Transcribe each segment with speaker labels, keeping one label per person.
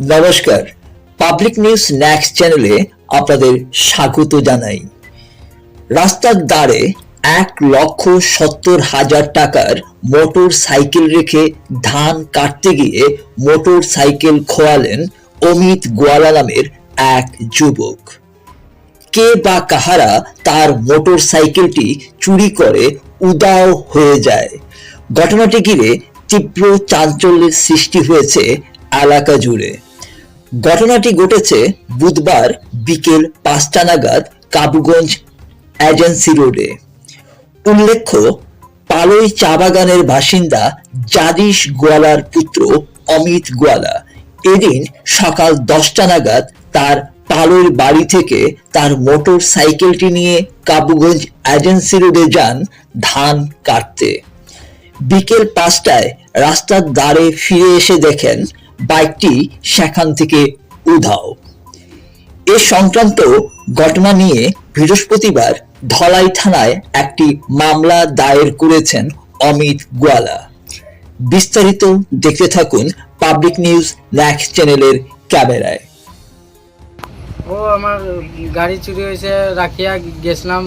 Speaker 1: নমস্কার, public news next চ্যানেলে আপনাদের স্বাগত জানাই। রাস্তার ধারে 1,70,000 টাকার মোটর সাইকেল রেখে ধান কাটতে গিয়ে মোটর সাইকেল খোয়ালেন অমিত গোয়ালা নামের এক যুবক। কে বা কাহারা তার মোটর সাইকেলটি চুরি করে উধাও হয়ে যায়। ঘটনাটি ঘিরে তীব্র চাঞ্চল্যের সৃষ্টি হয়েছে এলাকা জুড়ে। ঘটনাটি ঘটেছে বুধবার বিকেল 5টা নাগাদ কাবুগঞ্জ এজেন্সি রোডে। উল্লেখ্য, পালই চা বাগানের বাসিন্দা জাদিশ গোয়ালার পুত্র অমিত গোয়ালা এদিন সকাল 10টা নাগাদ তার পালইর বাড়ি থেকে তার মোটর সাইকেলটি নিয়ে কাবুগঞ্জ এজেন্সি রোডে যান ধান কাটতে। বিকেল 5টায় রাস্তার ধারে ফিরে এসে দেখেন বাইকটি সেখান থেকে উধাও। এ সংক্রান্ত ঘটনা নিয়ে বৃহস্পতিবার ধলাই থানায় একটি মামলা দায়ের করেছেন অমিত গোয়ালা। বিস্তারিত দেখতে থাকুন পাবলিক নিউজ নেক্সট চ্যানেলের ক্যামেরায়।
Speaker 2: ও আমার গাড়ি চুরি হয়েছে, রাখিয়া গেছিলাম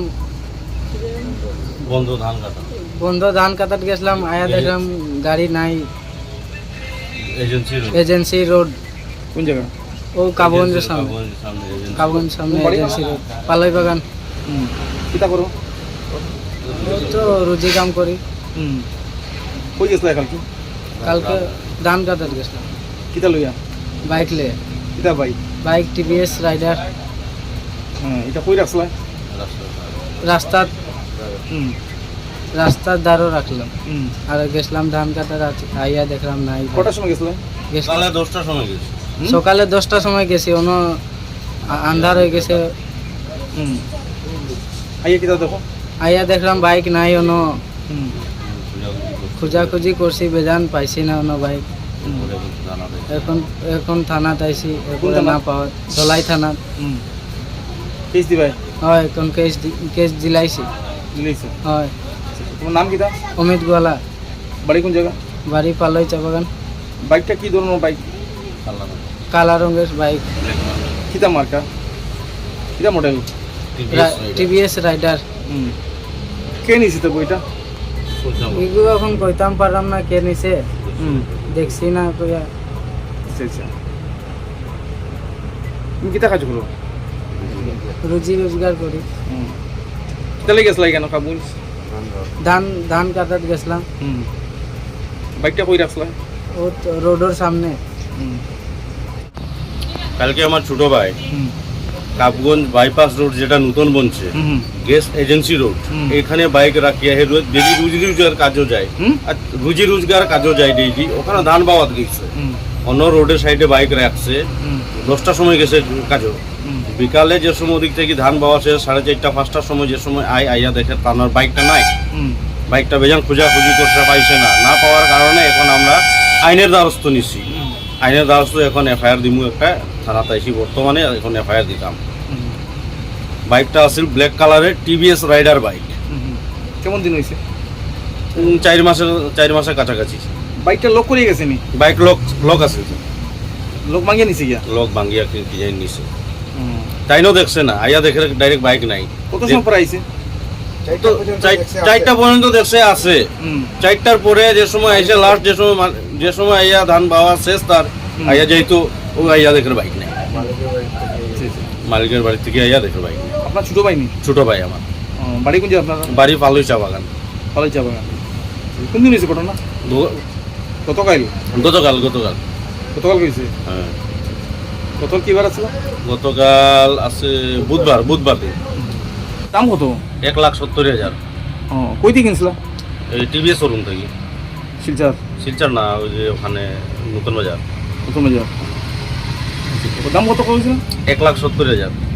Speaker 2: বন্ধ ধান কাটাত গেছিলাম, আয়া দেখলাম গাড়ি নাই। এজেন্সি রোড
Speaker 3: কোন জায়গা?
Speaker 2: ও কাবুগঞ্জের সামনে, কাবুগঞ্জ সামনে এজেন্সি রোড, পালই বাগান।
Speaker 3: কিতা করো?
Speaker 2: ও তো রুজি কাম করি।
Speaker 3: কই গেছলা কালকে?
Speaker 2: কালকে ধান কাটাত গেছিলাম
Speaker 3: কিতা লইয়া?
Speaker 2: বাইক লে।
Speaker 3: কিতা বাইক?
Speaker 2: Bike TVS rider.
Speaker 3: এটা কই রাখছলা?
Speaker 2: রাস্তার রাস্তার ধারও রাখলাম। আর গেছিলাম ধান কাটার, আইয়া দেখলাম নাই।
Speaker 3: কটার সময় গেছলা?
Speaker 2: সকালে 10টার সময় গেছি। সকালে 10টার সময় গেছি, অন্য আন্ধার হয়ে গেছে।
Speaker 3: আইয়া কিতা দেখো?
Speaker 2: আইয়া দেখলাম বাইক নাই, অন্য খোঁজাখুঁজি করছি, বেজান পাইছি না অন্য বাইক। এখন থানাত আইছি, এরপরে না পাওয়া ধলাই থানাত।
Speaker 3: কেস দিবাই?
Speaker 2: হয়, এখন কেস দিলাইছি।
Speaker 3: দিলাইছো?
Speaker 2: হয়।
Speaker 3: তোমার নাম কিতা?
Speaker 2: অমিত গোয়ালা।
Speaker 3: বাড়ি কোন জায়গা?
Speaker 2: বাড়ি পালই চা বাগান।
Speaker 3: বাইকটা কি ধরনের বাইক?
Speaker 2: কালা রঙের বাইক।
Speaker 3: কিতা মার্কা? কিতা মডেল?
Speaker 2: TVS rider.
Speaker 3: কে নিছে তো বইটা?
Speaker 2: এগুলো এখন কইতাম পারলাম না কে নিছে, দেখছি না কইয়া।
Speaker 3: আচ্ছা আচ্ছা, তুমি কিতা কাজ করো?
Speaker 2: রুজি রোজগার করি।
Speaker 3: কিতা লেগে গেছলা কেন কাবুল?
Speaker 2: ধান কাটাত গেছিলাম।
Speaker 3: বাইকটা কই রাখছলা?
Speaker 2: ও তো রোডের সামনে।
Speaker 4: কালকে আমার ছোট ভাই কাবগঞ্জ বাইপাস রোড, যেটা নতুন বনছে গ্যাস এজেন্সি রোড, এখানে বাইক রাখিয়া হে ডেলি রুজি রোজগার কাজও যায়। আর রুজি রোজগার কাজও যায় ডেইলি। ওখানে ধান বাওয়াত গেছে, অন্য রোডের সাইডে বাইক রাখছে। 10টার সময় গেছে কাজও। বিকালে যে সময় ওদিক থেকে ধান বাওয়া শেষ 4:30 5টার সময়, যে সময় আইয়া দেখে তার বাইকটা নাই। বাইকটা বেজান খোঁজাখুঁজি করতে পাইছে না পাওয়ার কারণে এখন আমরা আইনের দ্বারস্থ নিছি। আইনের দ্বারস্থ এখন এফআইআর দিমু একটা থানাতে আইসি বর্তমানে, এখন এফআইআর দিতাম। বাইকটা আসল ব্ল্যাক কালারের টিভিএস রাইডার বাইক।
Speaker 3: কেমন দিন হয়েছে?
Speaker 4: 4 মাসের কাছাকাছি।
Speaker 3: বাইকটা লক করে গেছে নি?
Speaker 4: বাইক লক আছে,
Speaker 3: লক ভাঙিয়ে নিছে গিয়া?
Speaker 4: লক ভাঙিয়া ডিজাইন নিছে। তাইনও দেখছে না, আইয়া দেখে ডাইরেক্ট বাইক নাই।
Speaker 3: কত সময় পর আইছে?
Speaker 4: 4টা পর্যন্ত দেখছে আছে। 4টার পরে যে সময় আইসে লাস্ট, যে সময় আইয়া ধান বাওয়া শেষ তার আইয়া যেহেতু ও আইয়া দেখে বাইক নাই। মালিকের বাড়ি থেকে আইয়া দেখে বাইক নাই।
Speaker 3: আপনার ছোট ভাই নি?
Speaker 4: ছোট ভাই আমার।
Speaker 3: বাড়ি কোন জায়গা আপনার?
Speaker 4: বাড়ি পালই চা বাগান।
Speaker 3: পালই চা বাগান। কোন দিন হয়েছে ঘটনা? গতকাল? গতকাল হয়েছে।
Speaker 4: হ্যাঁ।
Speaker 3: গতকাল কি বার আসলো?
Speaker 4: গতকাল আছে বুধবার দিন।
Speaker 3: দাম কত?
Speaker 4: 1,70,000।
Speaker 3: কই দিয়ে কিনছিল?
Speaker 4: এই টিভিএস শোরুম থেকে। শিলচর না, ওই যে ওখানে নতুন বাজার।
Speaker 3: দাম কত কইছিল?
Speaker 4: 1,70,000।